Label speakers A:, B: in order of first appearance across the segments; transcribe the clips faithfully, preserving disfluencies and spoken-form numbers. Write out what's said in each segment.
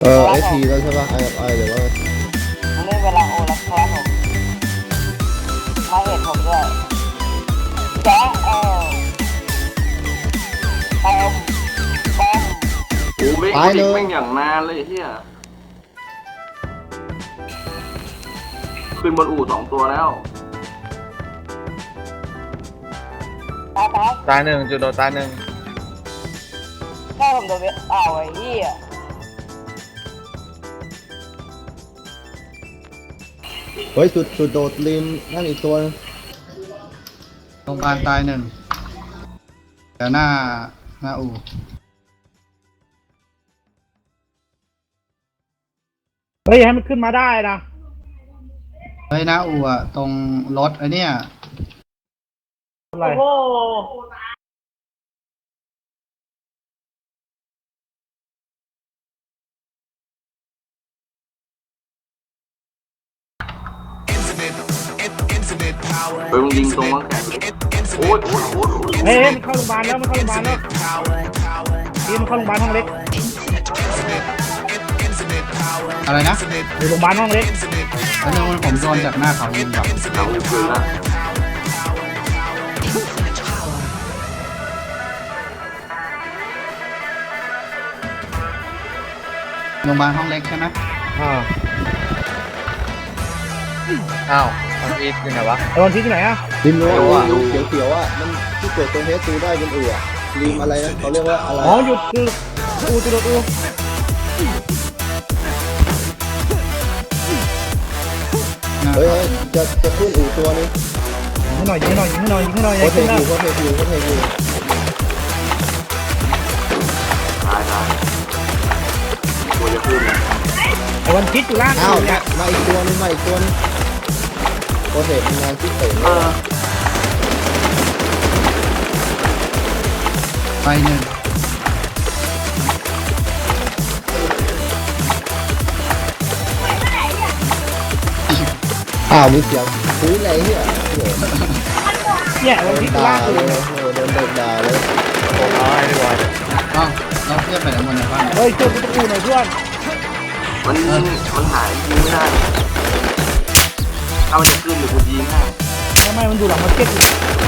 A: เออเอพีแล้วใช่ป่ะไอไอเดี๋ยวว่า
B: มันเล่นเวลาโอแล้วครับผมมาเห็นผมด้วยแจ๊เอลแอมแอม
C: โอ้เมฆดิแม่งอย่างนานเลยเฮียขึ้นบนอู่สองตัวแล้ว
B: ตายตาย
D: ตายหนึ่งจุดโดนตายหนึ่ง
B: แค่ผมโดนเวอ้าวไอ้เหี้ย
A: เฮ้ยสุดสุดโดดริมนั่นอีกตัว
E: โรงพยาบาลตายหนึ่งแต่หน้าหน้าอู่
F: เฮ้ยให้มันขึ้นมาได้นะ
E: เฮ้ยหน้าอู่อะตรงรถไอเนี้ย
F: อะไร
C: เฮ้ยมึงยิงตรงมั้งแขนโอ้ยโอ้ยโอ้ย
F: เฮ้ยมันเข้าโรงพยาบาลแล้วมันเข้าโรงพยาบาลแล้วทีมันเข้าโรงพยาบาลห้องเล็ก
E: อะไรนะ
F: อยู่โรงพยาบาลห้องเล็ก
E: แล้วนึงผมโดนจากหน้าเขายิงแบบ
C: เอาคืนละ
E: โรงพยาบาลห้องเล็กใช่ไหม
F: อ่า
D: อ้าวมันอีทอยู่ไหนวะ
F: ไอ้วันที่ที่ไหนอะ
A: ริมรั้วเขียวเขียวอ่ะมันที่เกิดตรงเฮสตูได้บนอู่อ่ะริมอะไรนะเขาเรียกว่าอะไร
F: อ๋อหยุดคืออูจุดอู
A: เฮ้ยจะจะขึ้นอู่ตัวนึง
F: ยิงให้หน่อยยิงให้หน่อยยิงให้หน่อยยิงให้หน่อย
A: เขาเทคิวเขาเทคิวเขาเทคิว
C: ตายตายตัวจะขึ้นนะ
F: ไอ้วันคิดอยู่ล่าง
A: อ้าว
F: เนี่ย
A: มาอีกตัวนึงมาอีกตัวนึงโปรเซสงานที่เต๋
C: เออ
E: ไปหนึ่ง
A: อ้าวมีเสียงคุยอะไรเนี่ยโอ้โห
F: เนี่ยวันคิดอยู่
A: ด่า
F: ล่าง
A: เล
F: เลย ย
A: โอ้โหโดนเด็กด่าเลย
D: ผมเอาไอ้บอย
E: อ้าวเราเทียบไปแล้วหมดในบ้าน
F: เฮ้ยช่วยกูตะกูหน่อยเพื่อน
C: มันมันหายยิงไม่ได้ถ้ามันจะขึ้นหรือกูยิงให้
F: ทำไมมันดูหลังมาร์เก็ตอยู่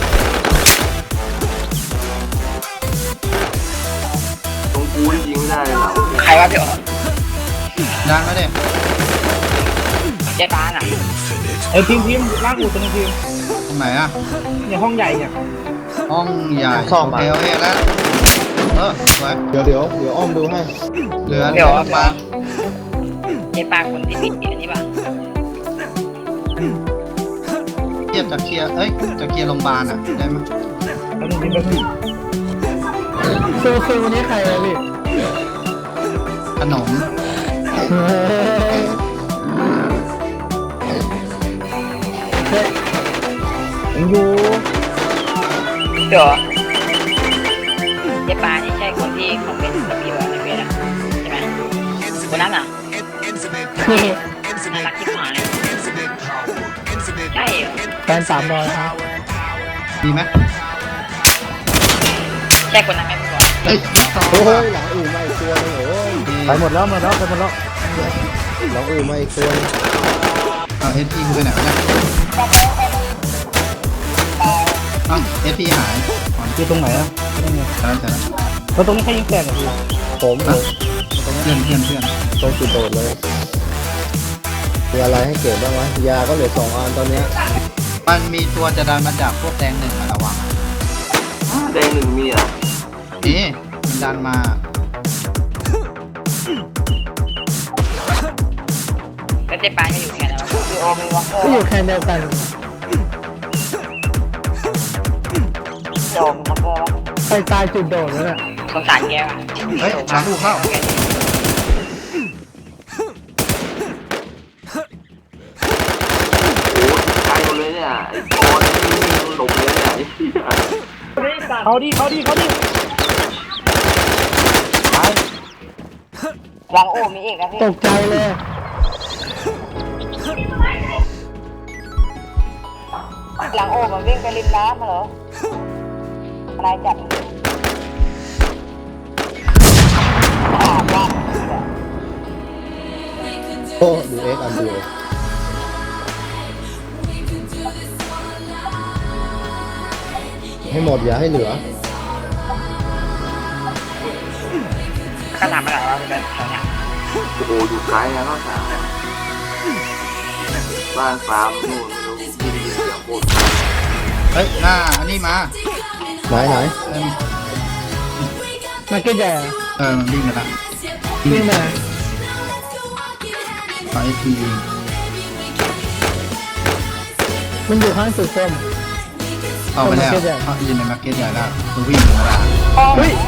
C: ตรงกูที่ยิงไม่ได้เลยหลัง
B: ใครวะพี่อ๋อ
E: ดันมาเด็
B: เจ๊ตาน่ะ
F: ไอ้ทีมทีมล่างอูตัวนึงทีม
E: ตรงไหนอะ
F: เนี่ยห้องใหญ่เนี่ย
E: ห้องใหญ่โอเคโอเคแล้วเออสวย
A: เดี๋ยวเดี๋ยวเดี๋ยวอ้อมดูให้
E: เหลือเหลือมา
B: เจ๊ปาคนที่ผิดอันนี้ป่ะ
E: เทียบจากเคลียร์เอ้ยจากเคลียร์โรงพยาบาลอะได้ไหม
F: แล้วนึงทีมแล้วนึงโซโซวันนี้ใครเลยพี่
E: ขนม
F: ผมอยู่
B: เดี๋ยวเจ๊ปานี่ใช่คนที่คอมเมนต์กับพี่บอกในเฟซอะใช่ไหมคนนั้นอ่ะน่ารักที่หายใช่เหรอ
F: แฟนสามร้อยครับ
E: ดีไหม
B: ใช่คนนั้นไหมพี่บอย
E: เฮ้ย
A: โอ้ยหลังอู่มาอีกตัวนึงโอ้ย
F: ไปหมดแล้วหมดแล้วไปหมดแล้ว
A: หลังอู่มาอีกตัวนึง
E: เอาเอสพีกูไปไหนวะเนี่ยอ้าวเอสพีหายก่อน
F: อยู่ตรงไหนอะนี่ไง
E: แล้วเสร็จแล้ว
F: แล้วตรงนี้ใครยิงแตกอะพี่
A: ผม
E: อ่ะเพื่อนเพื่อนเพื่อน
A: ตรงจุดโดดเลยมีอะไรให้เก็บบ้างวะยาก็เหลือสองอันตอนเนี้ย
E: มันมีตัวจะดันมาจากพวกแดงหนึ่งอะระวัง
C: แดงหนึ่งมีอ่ะ
E: นี่มันดันมา
B: แล้วเจ๊ปาไม่อยู่แค่นั้นพี่โอมีวอลเกอร์
F: ก็อยู่แค่เดียวกัน
B: โดมวอลเกอร์
F: ไปตายจุดโดดแล้วเนี่ย
B: สงสารแกว่ะ
E: เฮ้ยหลังอู่เข้า
C: โอ้ไกลหมดเลยเนี่ยไอ้บอลนี่หลบเลยเนี่ยไอ้เหี้ย
F: เขาดิเขาดิเขาดิ
B: หลังโอ้มีอีกนะพี่
F: ตกใจเลย
B: หลังโอ้มันวิ่งไปริมน้ำเหรออะไรจับมันอ่าว่า
A: โอ้ดูเอ็กอันเดียวให้หมดอย่าให้เหลือ
B: ข้าทำอะไรวะเป็นแถวเนี้ย
C: โอ้โหอยู่ไกลนะข้าวสารเนี่ยบ้านฟาร์มนู่นไม่รู้ที่ดีเสียงโคตร
E: เฮ้ยหน้าอันนี้มา
A: ไหนไหน
E: เอิ่ม
F: มาเก็ตใหญ่อะ
E: เออมันวิ่งมาละ
F: วิ่งมา
E: ขอไอทียิง
F: มันอยู่ข้างสุดส้ม
E: เข้าไปแล้ว
F: มาร์เก็ตใหญ่
E: เขายืนในมาร์เก็ตใหญ่แล้วมันวิ่งธรรมดา
F: เฮ้ย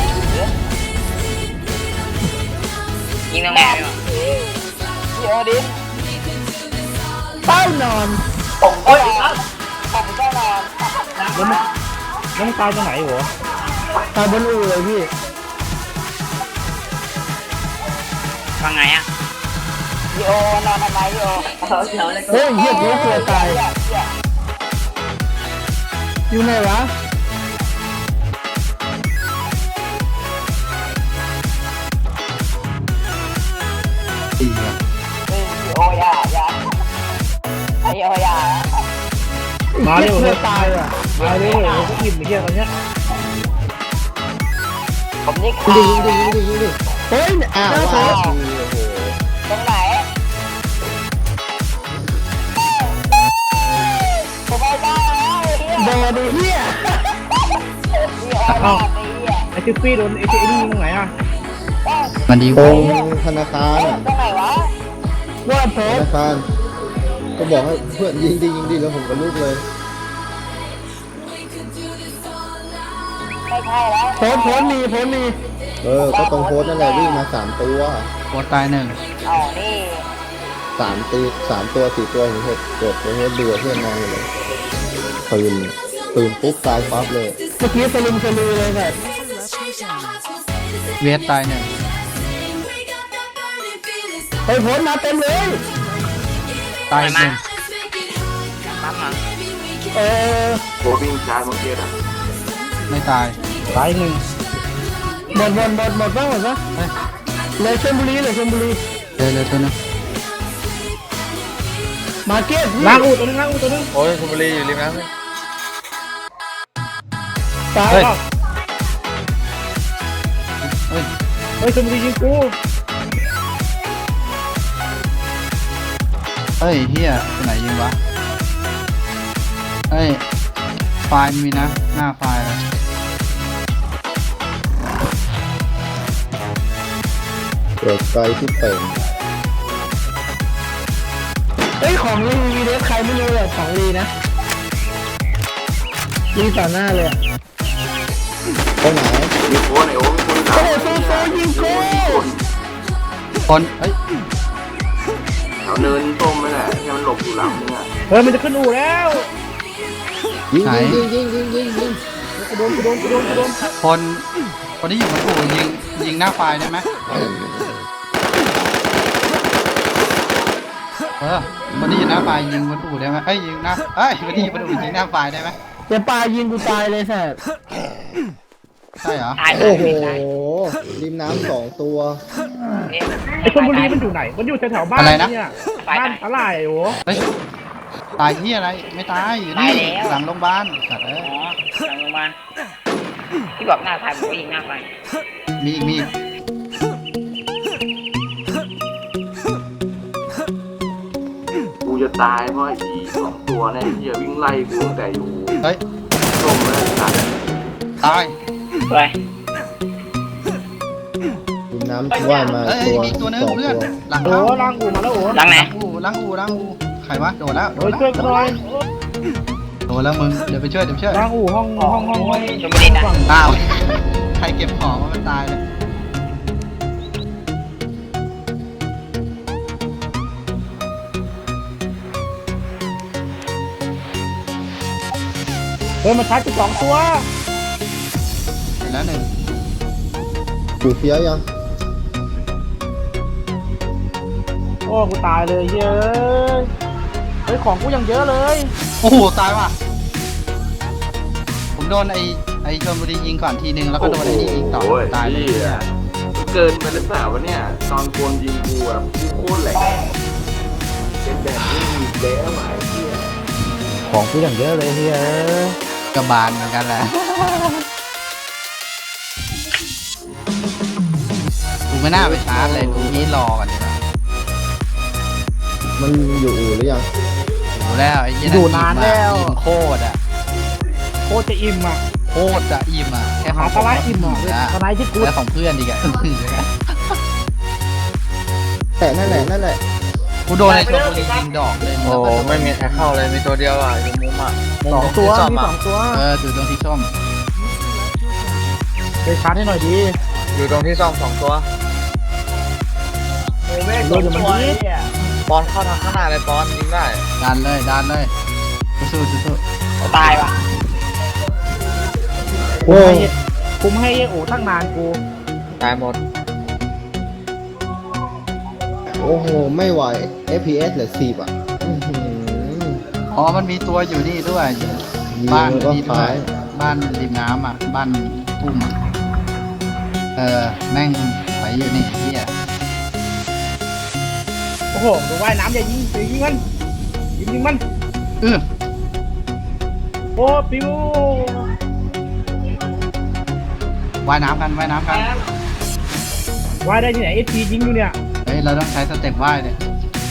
B: ยิงตรงไหนไม่หรอเดี๋ยวดิ
F: เต้านอน
B: ผมก็นอนผมก็นอน
F: แล้วมันแล้วมันตายตรงไหนหัวตายบนอู่เลยพี่
B: ฟังไงอ่ะพี่โอนอนทำไมพี่โอเดี๋ยวเลย
F: เฮ้ยเหี้ยกูกลัวตายอยู่ไหนวะ
E: ตีอะ
B: พี่โออย่าอย่าพี่โออย่า
F: มาเร็วเลยตายอ่ะมาเร็วผมก็อิ่มไปเที่ยวตอนเนี้ย
B: ผมนี่
A: ยิงดิยิงดิยิงดิยิงดิ
F: เฮ้ย
A: อ้าว
F: หน้า
A: ว้า
F: โพ
A: ว
F: ส
A: โอ้โห
B: ตรงไหนผมไม่ได้แล้ว
F: บอดูเหี้ย
B: พี่โออย่าตีอ่ะ
F: ไอซิฟี่โดนไอซีนี่ตรงไหนอ่ะ
E: มันดี
A: ต
E: ก
A: ร
E: ว่าง
A: ธนาคารอ่ะ
B: ตรงไหนวะ
F: ว่าโพ
A: ธ
F: ส
A: นาคารก็บอกให้เพื่อนยิงดิยิงดิแล้วผมก็ลุกเลย
B: ไม่ใช่แล้ว
F: โพสโพสมีโพสมี
A: เออก็ตรงโพสต์นั่นแหละวิ่งมาสามตัว
E: โคตรตายหนึ่ง
B: อ๋อนี่
A: สามตีสามตัวสี่ตัวเห็นเห็ดกดเห็นดูเพื่อนนอนอยู่เลยปืนปืนปุ๊บตายปั๊บเลย
F: เมื่อกี้สลุมสลือเลยแบบ
E: เวทตายหนึ่ง
F: เฮ้ยโพสมาเต็มเลย
E: ตายหนึ่ง
B: ปั๊มมา
F: เออ
C: โควิ่งชาร์จมาเก็ตอ่ะ
E: ไม่ตาย
F: ตายหนึ่งหมดหมดหมดหมดบ้างหมดบ้าง
E: เฮ้ย
F: เลยชลบุรีเลยชลบุรี
E: เดี๋ยวเดี๋ยวตัวนึง
F: มาเก็ตล้างอูตัวนึงล้างอูตัวนึง
D: โอ้ยคุณบุรีอยู่ริมน้ำเลย
F: ตาย
E: เฮ้ย
F: เปล่า
E: เฮ้ย
F: เฮ้ยชลบุรียิงกู
E: เฮ้ยเฮียตัวไหนยิงวะเฮ้ยไฟล์มีนะหน้าไฟล์เลย
A: เกิดไกลที่เป่ง
F: เฮ้ยของรีวีเดฟใครไม่รู้เลยของรีนะรีต่อหน้าเลยอะ
A: ตรงไหน
C: มีโค้ดไอโอ้มีคน
F: โอ้โหโซโซยิงกู
E: คนเฮ้ย
C: แถวเนินต้มนั่นแหละที่มันหลบอยู่หลังมึงอ่ะ
F: เฮ้ยมันจะขึ้นอู่แล้ว
A: ยิงยิงยิงยิงยิงยิง
F: กูโดนกูโดนกูโดนกูโดน
E: คนคนที่อยู่บนอู่ยิงยิงหน้าไฟล์ได้ไหมเออคนที่อยู่หน้าไฟล์ยิงบนอู่ได้ไหมเอ้ยยิงหน้าเอ้ยคนที่อยู่บนอู่ยิงหน้าไฟล์ได้ไหม
F: เดี๋ยวปลายิงกูตายเลยแสบ
E: ใช่เหรอ
B: ตายเล
A: โอ้
B: ย
A: โหริมน้ำสองตัว
F: ไอ้ชลบุรีมันอยู่ไหนมันอยู่แถวๆบ้านเนี่ยบ้านอะไรโอ้
E: เฮ้ยตายที่อะไรไม่ตายอยู่นี่หลังโรงพยาบาลสัตว์เอ้
B: อ๋
E: ย
B: อหลังโรงพยาบาลที่บอกหน้าไฟผมก็ยิงหน้าไฟ
E: มีอีกมีอีก
C: กูจะตายเพราะไอ้ผีสองตัวเนี่ยที่จะวิ่งไล่กูตั้งแต่อยู่
E: เฮ้ย
C: ต้มแล้วสัตว์
E: ตาย
B: ไป
A: ริมน้ำว่ายมา
E: เอ้ย
A: ตัว
E: มีตัวนึง
A: สอง
E: เพื่อน
A: ตัว
E: หลัง
F: โอ้
E: เข้า
F: ล้างอู่มาแล้วโอ้
B: หลังไหน
E: ล้างอูล้างอูล้างอูใครวะโดดแล้วโด
F: โอ้
E: ด
F: ย
E: แล้ว
F: ช่วยกันหน่อย
E: โดดแล้วมึงเดี๋ยวไปช่วยเดี๋ยวไปช่วย
F: ล้างอู่ห้องห้องห้องห้อง
B: ชลบุรีนะ
E: อ้าวใครเก็บของวะมันตายเลย
F: เฮ้ยมาชาร์จกูสองตัว
E: เห็นแล้วหนึ่ง
A: กูเฟี้ยวยัง
F: โอ้กูตายเลยเย้ยเฮ้ยของกูยังเยอะเลย
E: โอ้โหตายว่ะผมโดนไอ้ไอ้ชลบุรียิงก่อนทีนึงแล้วก็โดนไอ้นี่ยิงต่อ
C: โอ้ย
E: ตายเลย
C: เหี้ยเกินไปหรือเปล่าวะเนี่ยตอนโกนยิงกูอ่ะกูโคตรแหลกเด้อหมายเที่ย
F: ของกูอย่างเยอะเลยเฮีย
E: กระบาลเหมือนกันแหละกูไม่น่าไปชาร์จเลยกูนี้รอก่อนดีกว่า
A: มันอยู่อู่หรือยัง
E: ดูแล้วไอ้ยี่
F: อยู่นานแล้ว
E: อิ่มโคตรอ่ะ
F: โคตรจะอิ่มอ่ะ
E: โคตรจะอิ่มอ่ะแค่ข
F: หา
E: อง
F: สไลด์อิ่มอ่ะ
E: นะ
F: สไลด์ที่กู
E: แล้วของเพื่อนอีกอ่ะ
A: แต่นั่นแหละนั่นแหละ
E: กูโดนในชลบุรียิงดอกเลย
D: โอ้ไม่มีใครเข้าเลยมีตัวเดียวอ่ะอยู่มุมอ่ะมุม
F: สอง
D: ที่
F: ตัว
D: ซ่อม
F: มี
D: อ่ะ
F: สองตัว
E: เอออยู่ตรงที่ส้ม
F: ไปชาร์จให้หน่อยดี
D: อยู่ตรงที่ซ่อมสองตัว
F: โดนอยู่มันดี
D: ปอนเข้าทางข้างหน้าเลยปอนยิงได้
E: ดันเลยดันเลยสู้สู้สู้
B: ตายว่ะ
A: โอ้
F: กูไม่ให้โอ้ตั้งนานกู
D: ตายหมด
A: โอ้โหไม่ไหว เอฟ พี เอส เหลือสิบอ่ะอื้อหือ
E: อ๋อมันมีตัวอยู่นี่ด้วย
A: ยิง
E: บ้าน
A: แล้วก็
E: นี่ด้ว
A: ขาย ย
E: บ้านริมน้ำอ่ะบ้านทุ่มอ่ะเออแม่งไหวอยู่นี่เฮีย
F: โอ้โหดูว่ายน้ำอย่ายิงอย่ายิงมันยิงยิงมัน
E: เออ
F: โอ้ปิว
E: ว่ายน้ำกันว่ายน้ำกัน
F: ว่ายได้ที่ไหนเอฟพียิงอยู่เนี่ย
E: เฮ้ยเราต้องใช้สเต็ปว่ายเนี่ย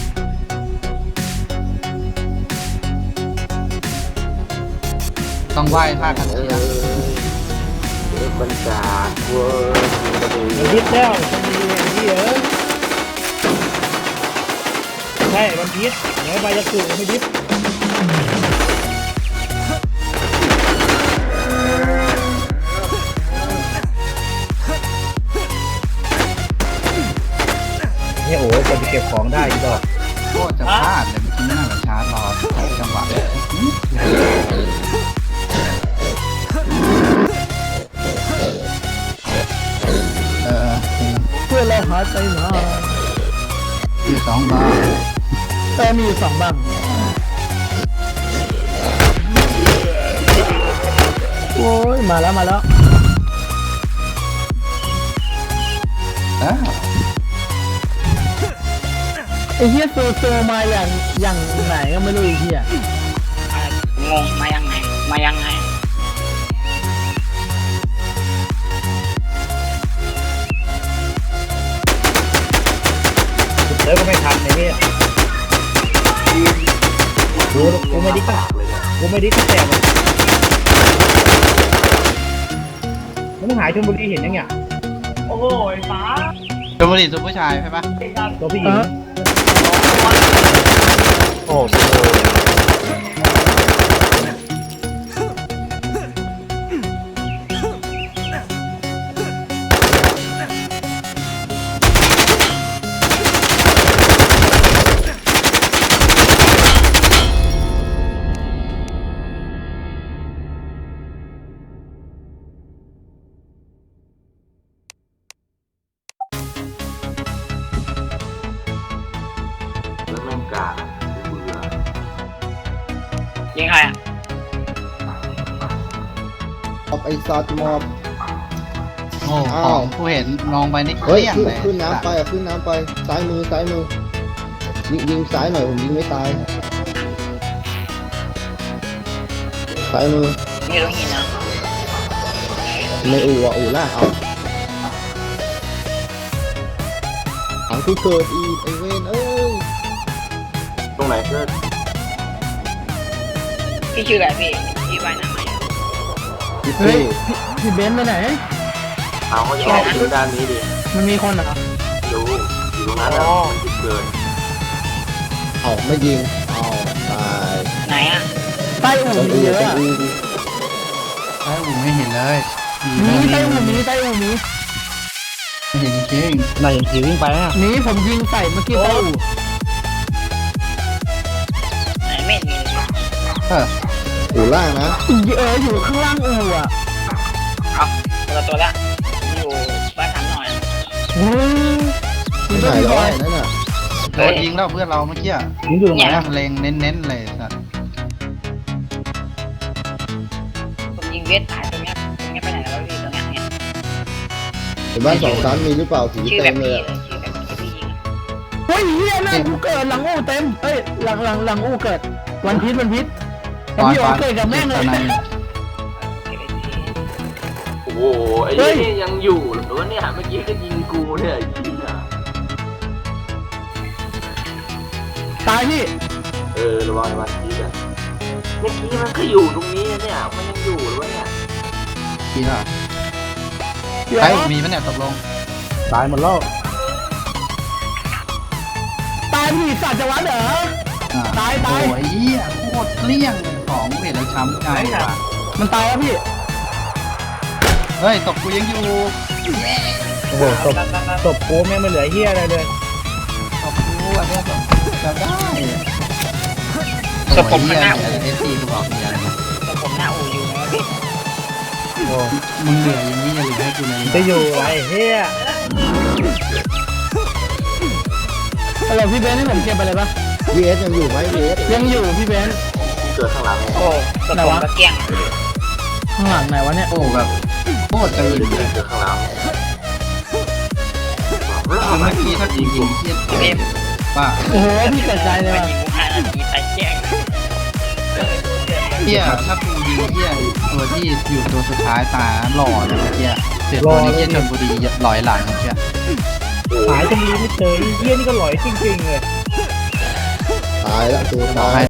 E: ต้องว่ายท่าคันเทีย
C: เดี๋ยวบรรจาเวอร์กระดู
F: มันพิษแล้วมันมีอย่างนี้เหรอใช่มันพิษเดี๋ยวใบจะคือไม่พิษเนี่ยโอ้ยจะไปเก็บของได้อีกดอก
E: โคตรจะพลาดเลยเมื่อกี้ไม่น่าจะชาร์จรอจังหวะเลยเออ
F: เพื่อนเราหาใจหนา
E: คือสองบาท
F: แต่มีอยู่สองบ้างโอ้ยมาแล้วมาแล้ว
E: เออ
F: ไอ้เฮียโซโซมาอย่างอย่างไหนก็ไม่รู้ไอ้เฮีย
B: งงมายังไงมายังไง
F: เดี๋ยวก็ไม่ทันไอ้เฮียดูกูไม่ดิกกูไม่ดิกก็แตกหรอกมึงหายชลบุรีเห็นยังเนี่ย
B: โอ้โหฟ้า
E: เป็นบุหรี่ตัวผู้ชายใช่ปะ
F: ตัวผู้หญิง
D: โอ้โห
C: แล้วแม่งกาดเบื่อ
B: ยิงใครอ่ะ
A: มอบไอ้ซอสมอบ
E: โอ้ข
A: อ้า
E: อ
A: ว
E: งผู้เห็นมองไปนี่เก
A: เฮ้ย
E: ลี้ยง
A: ขึ้น
E: เลย
A: ขึ้นน้ำไปอ่ะขึ้นน้ำไปซ้ายมือซ้ายมือยิงยิงซ้ายหน่อยผมยิงไม่ตายซ้ายมือ
B: นี่รู้หินนะ
A: ในอู่อ่ะอู่ล่างเอาถังที่เกิดอีกไอเวนเอ้ย
C: ตรงไหนเพื่อน
B: พี่ชื่ออะไรพี่พี่ว่ายน้ำไหม
A: พี่เป้
F: พี่เบนซ์ไปไหน
C: เอาเขาจะออกไปดูด้านนี้ดิ
F: มันมีคนเหรอ
C: ดูอยู่ตรงนั้นอ่ะมันจุดเกิด
A: เอาไม่ยิงเอาตาย
B: ไหนอ่ะ
F: ใต้อู่
A: ตรง
F: มี
A: อู่
F: เยอะ
A: ตรง
F: อะ
A: อู่ดิ
E: ไอ้อูไม่เห็นเลยดี
F: มี
E: นะ
F: ใต้อู่มีใต้อู่มี
E: ไม่เห็นจริง
F: ไหนเห็นผีวิ่งไปอ่ะมีผมยิงใส่เมื่อกี้ใต้อู่
B: ไหนไม่เห็นมีเลย
E: ๆเออ
A: อู่ล่างนะ
F: เอออยู่ข้างล่างอู่อ่ะ
B: เอาตัวละตัวละอยู่บ้านทำหน่อย
F: โอ้ย
A: ไม่ไหนแล้วไอ้นั่นน่ะ
E: โดนยิงแล้วเพื่อนเราเมื่อกี้อะ
F: ยิงอยู่ตรงไหน
E: แม่
F: อะ
E: งเล็งเน้นๆเลยสัตว์
B: ผมยิงเวทตายตรงเนี้ยตรงเนี้ยไปไหนแล้วพี่ตรงเนี้ยเนี่ย
A: เห็นบ้านสองชั้นมีหรือเปล่าผี
B: ชื่อแบ
A: เต็
B: บ
A: มเล
B: พี่
A: ย
B: เลย
A: อะ
B: ชื่อแบบที่พี่ยิง
F: เฮ้ยเฮียหน้ากูเกิดหลังอู้เต็มเอ้ยหลังหลังหลังอู้เกิดวันพิษวันพิษไอ้
E: ปอน
F: พี่
E: ป
F: โอ
E: อน
F: เกิดกับแม่งเลย
E: ตอนไหน
C: โอ้โหไอ้นี่ยังอยู่หรือว่าเนี่ยเมื่อกี้ก็ยิงกูเนี่ยยิงอ่ะ
F: ตายพี่
C: เออระวังระวังทีอ่ะเมื่อกี้มันก็อยู่ตรงนี้เนี่ยมันยังอยู่หรือว่าเนี่ย
E: กี่เหรอ
F: เดี๋ยว
E: ไอ้มีปะเนี่ยตกลง
F: ตายหมดแล้วตายพี่สัตว์จะวัดเหรอ
E: อ่า
F: ตายตาย
E: โอ้ยเหี้ยโคตรเกลี้ยงเลยของเวทแล้วช้ำใจว่ะ
F: มันตายแล้วพี่
E: เฮ้ยตกกูยังอยู่
F: โอ้โหศพศพกูแม่งไม่เหลือเฮียอะไรเลย
E: ตกกูอันเนี้ยตกจะได้
B: ศพผมมันหน้า
E: เอ
B: อู่
E: เอฟซีกูบอกเนี่ย
B: ศพผมหน้าอู่อยู่นะพี่
E: มึงเหลืออย่างนี้อย่าเหลือให้กูเลย
F: จะอยู่ไรเฮียอะไรพี่เบนซ์ให้ผมเก็บไปเลยปะ
A: วีเอสยังอยู่ไหมวีเอส
F: ยังอยู่พี่เบนซ์
C: เกิดข้างหลังไง
B: โอ้ศพผมก็เกลี้ยง
F: ข้างหลังไหนวะเนี่ย
E: โอ้แบบโคตรจะยิงเลย
C: เกิดข้างหลัง
E: เมื่อกี้ถ้ากูยิงเทียบ
B: เอ็ม
E: ป้า
F: โอ้โหพี่เกิดใจเลย
B: มา
F: ว่ะ
B: ยิงกูห้านาทีไปแจ้ง
E: เทียถ้ากูยิงเทียตัวที่อยู่ตัวสุดท้ายตายหล่อเลยเมื่อกี้เสียตัวนี้เทียชนบุรีลอยหลังเมื่อกี้
F: หายตรงนี้ไม่เจอเฮียนี่ก็หลอยจริงๆเลย
A: ตายแล้วตัว
E: บอ
A: ตาก ย
E: ให้